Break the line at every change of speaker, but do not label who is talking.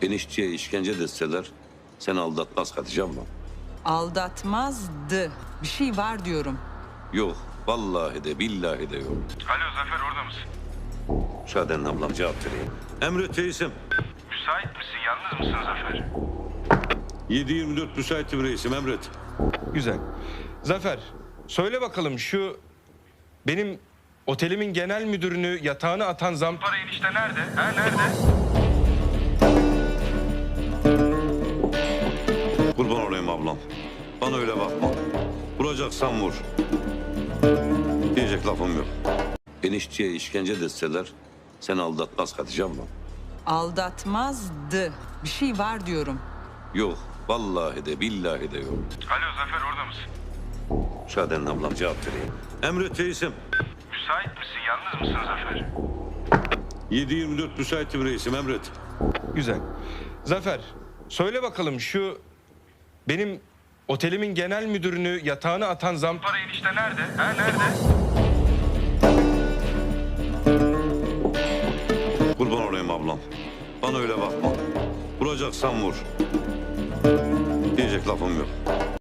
Enişteye işkence deseler seni aldatmaz Hatice abla.
Aldatmazdı. Bir şey var diyorum.
Yok, vallahi de billahi de yok.
Alo Zafer, orada mısın?
Şaden ablam cevap vereyim. Emret reisim.
Müsait misin? Yalnız mısın Zafer?
7-24 müsaitim reisim, emret.
Güzel. Zafer, söyle bakalım şu benim otelimin genel müdürünü yatağına atan
Para enişte nerede? Ha, nerede?
Kurban olayım ablam. Bana öyle bakma. Vuracaksan vur. Diyecek lafım yok. Enişteye işkence deseler seni aldatmaz Hatice abla.
Aldatmazdı. Bir şey var diyorum.
Yok, vallahi de billahi de yok.
Alo Zafer, orada mısın?
Şaden ablam cevap vereyim. Emret reisim.
Müsait misin? Yalnız mısın Zafer?
7-24 müsaitim reisim, emret.
Güzel. Zafer, söyle bakalım şu benim otelimin genel müdürünü yatağına atan
Para enişte nerede? Ha, nerede?
Kurban olayım ablam. Bana öyle bakma. Vuracaksan vur. Diyecek lafım yok.